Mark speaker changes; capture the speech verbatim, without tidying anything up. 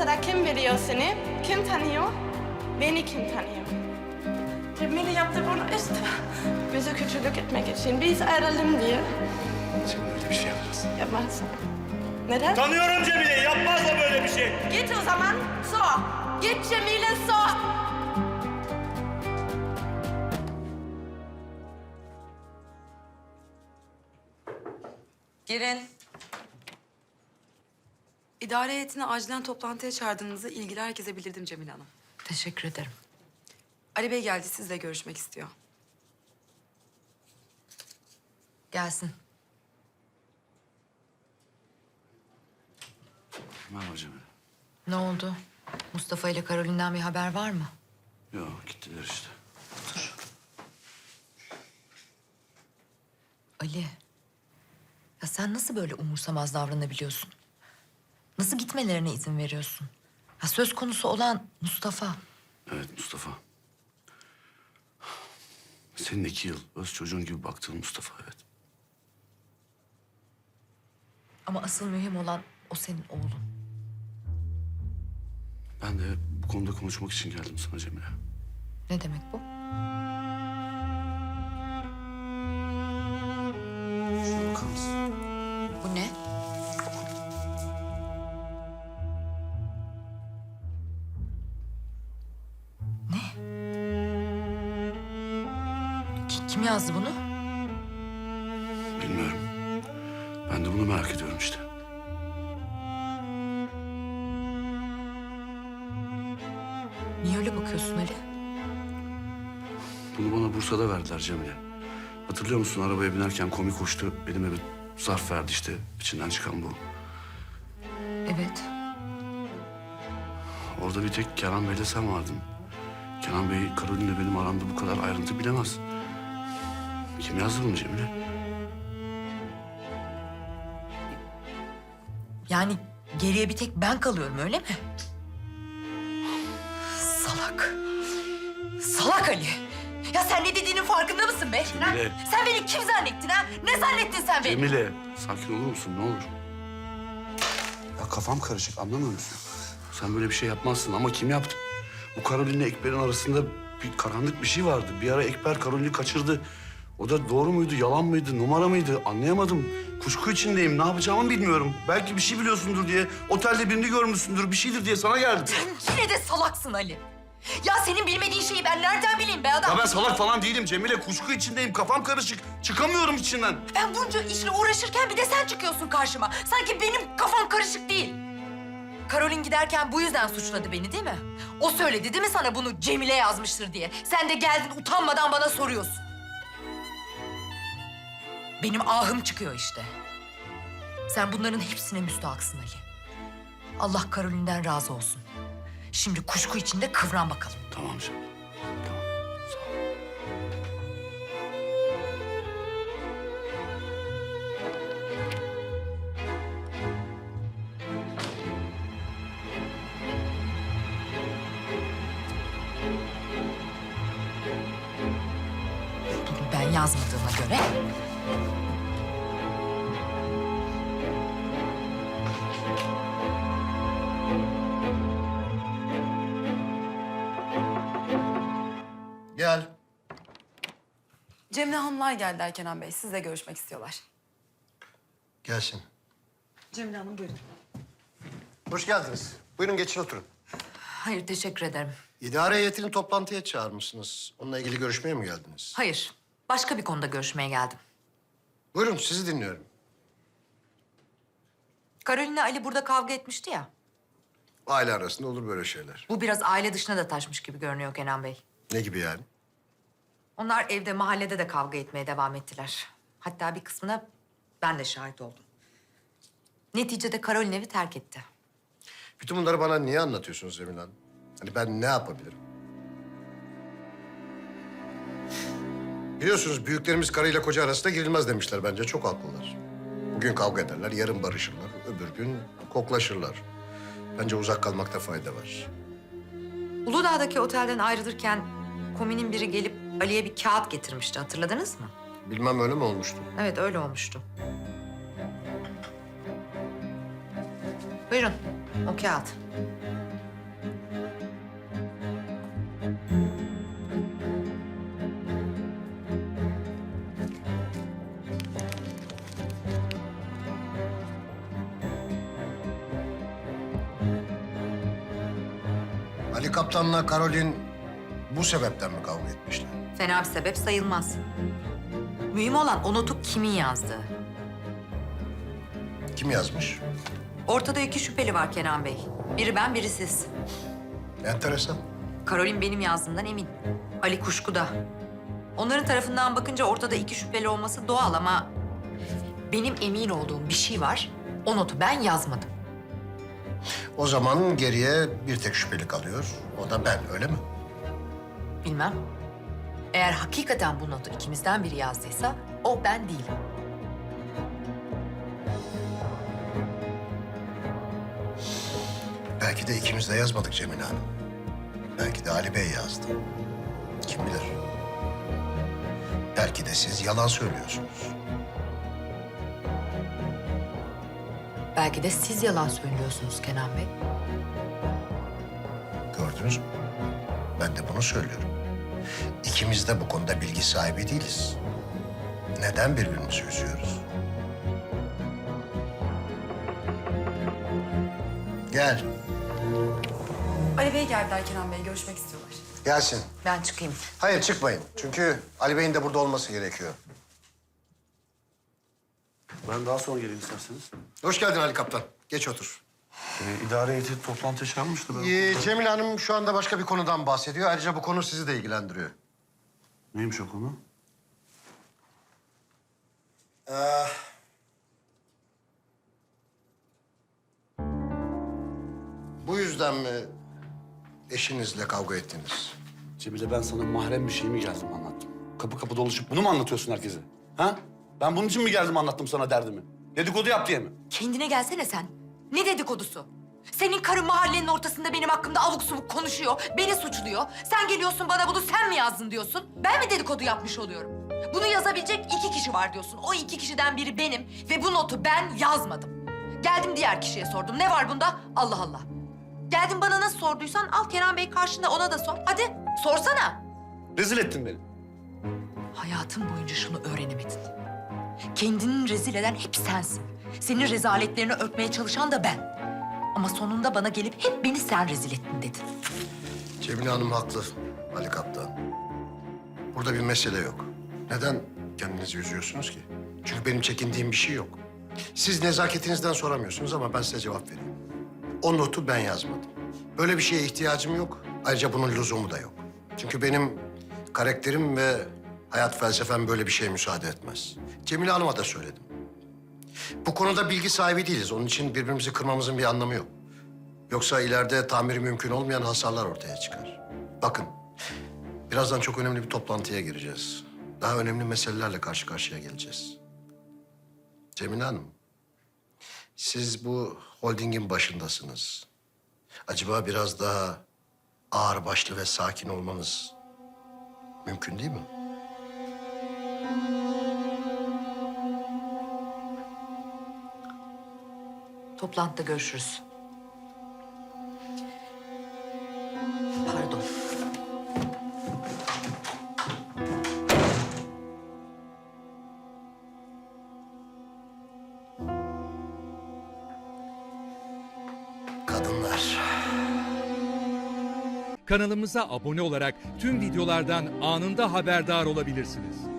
Speaker 1: Bursa'da kim biliyor seni? Kim tanıyor? Beni kim tanıyor? Cemile yaptı bunu işte. Bize kötülük etmek için. Biz ayrılalım diye.
Speaker 2: Cemile öyle bir şey yapmaz.
Speaker 1: Yapmaz. Neden?
Speaker 3: Tanıyorum Cemile, yapmaz o böyle bir şey.
Speaker 1: Git o zaman, sor. Git Cemile, sor.
Speaker 4: Girin. İdare heyetini acilen toplantıya çağırdığınızı ilgili herkese bildirdim Cemile Hanım.
Speaker 5: Teşekkür ederim.
Speaker 4: Ali Bey geldi, sizle görüşmek istiyor.
Speaker 5: Gelsin.
Speaker 2: Merhaba Cemile.
Speaker 5: Ne oldu? Mustafa ile Karolin'den bir haber var mı?
Speaker 2: Yok, gittiler işte. Otur.
Speaker 5: Ali. Ya sen nasıl böyle umursamaz davranabiliyorsun? Nasıl gitmelerine izin veriyorsun? Ya söz konusu olan Mustafa.
Speaker 2: Evet Mustafa. Senin iki yıl öz çocuğun gibi baktığın Mustafa, evet.
Speaker 5: Ama asıl mühim olan o senin oğlun.
Speaker 2: Ben de bu konuda konuşmak için geldim sana Cemile.
Speaker 5: Ne demek bu?
Speaker 2: Şuna bakar mısın?
Speaker 5: Bu ne? Ne? Ki- Kim yazdı bunu?
Speaker 2: Bilmiyorum. Ben de bunu merak ediyorum işte.
Speaker 5: Niye öyle bakıyorsun Ali?
Speaker 2: Bunu bana Bursa'da verdiler Cemile. Hatırlıyor musun, arabaya binerken komik koştu. Elime bir zarf verdi işte. İçinden çıkan bu.
Speaker 5: Evet.
Speaker 2: Orada bir tek Kenan Bey'le sen vardın. Kenan Bey, Karolin'le benim aramda bu kadar ayrıntı bilemez. Kim yazdı bunu Cemile?
Speaker 5: Yani geriye bir tek ben kalıyorum, öyle mi? Salak. Salak Ali. Ya sen ne dediğinin farkında mısın be?
Speaker 2: Cemile.
Speaker 5: Ha? Sen beni kim zannettin ha? Ne zannettin sen beni?
Speaker 2: Cemile, sakin olur musun? Ne olur? Ya kafam karışık, anlamıyor musun? Sen böyle bir şey yapmazsın ama kim yaptı? Bu Karolin'le Ekber'in arasında bir karanlık bir şey vardı. Bir ara Ekber Karolin'i kaçırdı. O da doğru muydu, yalan mıydı, numara mıydı? Anlayamadım. Kuşku içindeyim, ne yapacağımı bilmiyorum. Belki bir şey biliyorsundur diye, otelde birini görmüşsündür, bir şeydir diye sana geldim.
Speaker 5: Sen yine de salaksın Ali. Ya senin bilmediğin şeyi ben nereden bileyim be adam?
Speaker 2: Ya ben salak falan değilim Cemile. Kuşku içindeyim, kafam karışık. Çıkamıyorum içinden.
Speaker 5: Ben bunca işle uğraşırken bir de sen çıkıyorsun karşıma. Sanki benim kafam karışık değil. Karolin giderken bu yüzden suçladı beni değil mi? O söyledi değil mi sana bunu Cemile yazmıştır diye? Sen de geldin utanmadan bana soruyorsun. Benim ahım çıkıyor işte. Sen bunların hepsine müstahaksın Ali. Allah Karolin'den razı olsun. Şimdi kuşku içinde kıvran bakalım.
Speaker 2: Tamam Cemile. Tamam, sağ ol.
Speaker 5: Bunu ben yazmadığıma göre...
Speaker 6: Gel.
Speaker 4: Cemile Hanımlar geldiler Kenan Bey, sizle görüşmek istiyorlar.
Speaker 6: Gelsin.
Speaker 4: Cemile Hanım buyurun.
Speaker 6: Hoş geldiniz. Buyurun geçin oturun.
Speaker 5: Hayır, teşekkür ederim.
Speaker 6: İdare heyetini toplantıya çağırmışsınız. Onunla ilgili görüşmeye mi geldiniz?
Speaker 5: Hayır, başka bir konuda görüşmeye geldim.
Speaker 6: Buyurun sizi dinliyorum.
Speaker 5: Karolin'le Ali burada kavga etmişti ya.
Speaker 6: Aile arasında olur böyle şeyler.
Speaker 5: Bu biraz aile dışına da taşmış gibi görünüyor Kenan Bey.
Speaker 6: Ne gibi yani?
Speaker 5: Onlar evde, mahallede de kavga etmeye devam ettiler. Hatta bir kısmına ben de şahit oldum. Neticede Karolin evi terk etti.
Speaker 6: Bütün bunları bana niye anlatıyorsunuz Emine Hanım? Hani ben ne yapabilirim? Biliyorsunuz büyüklerimiz karıyla koca arasında girilmez demişler bence. Çok haklılar. Bugün kavga ederler, yarın barışırlar. Öbür gün koklaşırlar. Bence uzak kalmakta fayda var.
Speaker 5: Uludağ'daki otelden ayrılırken kominin biri gelip Ali'ye bir kağıt getirmişti. Hatırladınız mı?
Speaker 6: Bilmem öyle mi olmuştu?
Speaker 5: Evet, öyle olmuştu. Buyurun, o kağıt.
Speaker 6: Ali Kaptan'la Karolin bu sebepten mi kavga etmişler?
Speaker 5: Fena bir sebep sayılmaz. Mühim olan o notu kimin yazdığı.
Speaker 6: Kim yazmış?
Speaker 5: Ortada iki şüpheli var Kenan Bey. Biri ben, biri siz.
Speaker 6: Enteresan.
Speaker 5: Karolin benim yazdığımdan emin. Ali kuşkuda. Onların tarafından bakınca ortada iki şüpheli olması doğal ama... benim emin olduğum bir şey var. O notu ben yazmadım.
Speaker 6: O zaman geriye bir tek şüpheli kalıyor. O da ben, öyle mi?
Speaker 5: Bilmem. Eğer hakikaten bu notu ikimizden biri yazdıysa o ben değilim.
Speaker 6: Belki de ikimiz de yazmadık Cemile Hanım. Belki de Ali Bey yazdı. Kim bilir? Belki de siz yalan söylüyorsunuz.
Speaker 5: Belki de siz yalan söylüyorsunuz Kenan Bey.
Speaker 6: Gördünüz mü? Ben de bunu söylüyorum. İkimiz de bu konuda bilgi sahibi değiliz. Neden birbirimizi üzüyoruz? Gel.
Speaker 4: Ali Bey geldiler Kenan Bey, görüşmek istiyorlar.
Speaker 6: Gelsin.
Speaker 5: Ben çıkayım.
Speaker 6: Hayır çıkmayın. Çünkü Ali Bey'in de burada olması gerekiyor.
Speaker 2: Ben daha sonra geleyim isterseniz.
Speaker 6: Hoş geldin Ali Kaptan. Geç otur.
Speaker 2: Ee, idare heyeti toplantı çağırmıştı. Ben...
Speaker 6: Ee, Cemile Hanım şu anda başka bir konudan bahsediyor. Ayrıca bu konu sizi de ilgilendiriyor.
Speaker 2: Neymiş o konu?
Speaker 6: Ee, bu yüzden mi eşinizle kavga ettiniz?
Speaker 2: Cemile, ben sana mahrem bir şey mi geldim anlattım? Kapı kapı dolaşıp bunu mu anlatıyorsun herkese? Ha? Ben bunun için mi geldim anlattım sana derdimi? Dedikodu yap diye mi?
Speaker 5: Kendine gelsene sen. Ne dedikodusu? Senin karın mahallenin ortasında benim hakkımda avuk subuk konuşuyor, beni suçluyor. Sen geliyorsun bana bunu sen mi yazdın diyorsun. Ben mi dedikodu yapmış oluyorum? Bunu yazabilecek iki kişi var diyorsun. O iki kişiden biri benim ve bu notu ben yazmadım. Geldim diğer kişiye sordum. Ne var bunda? Allah Allah. Geldin bana nasıl sorduysan al Kenan Bey karşında ona da sor. Hadi sorsana.
Speaker 2: Rezil ettin beni.
Speaker 5: Hayatım boyunca şunu öğrenemedin. Kendini rezil eden hep sensin. Senin rezaletlerini örtmeye çalışan da ben. Ama sonunda bana gelip hep beni sen rezil ettin dedin.
Speaker 6: Cemile Hanım haklı Ali Kaptan. Burada bir mesele yok. Neden kendinizi üzüyorsunuz ki? Çünkü benim çekindiğim bir şey yok. Siz nezaketinizden soramıyorsunuz ama ben size cevap vereyim. O notu ben yazmadım. Böyle bir şeye ihtiyacım yok. Ayrıca bunun lüzumu da yok. Çünkü benim karakterim ve hayat felsefem böyle bir şeye müsaade etmez. Cemile Hanım'a da söyledim. Bu konuda bilgi sahibi değiliz. Onun için birbirimizi kırmamızın bir anlamı yok. Yoksa ileride tamiri mümkün olmayan hasarlar ortaya çıkar. Bakın, birazdan çok önemli bir toplantıya gireceğiz. Daha önemli meselelerle karşı karşıya geleceğiz. Cemile Hanım, siz bu holdingin başındasınız. Acaba biraz daha ağırbaşlı ve sakin olmanız mümkün değil mi?
Speaker 5: Toplantıda görüşürüz. Pardon.
Speaker 6: Kadınlar.
Speaker 7: Kanalımıza abone olarak tüm videolardan anında haberdar olabilirsiniz.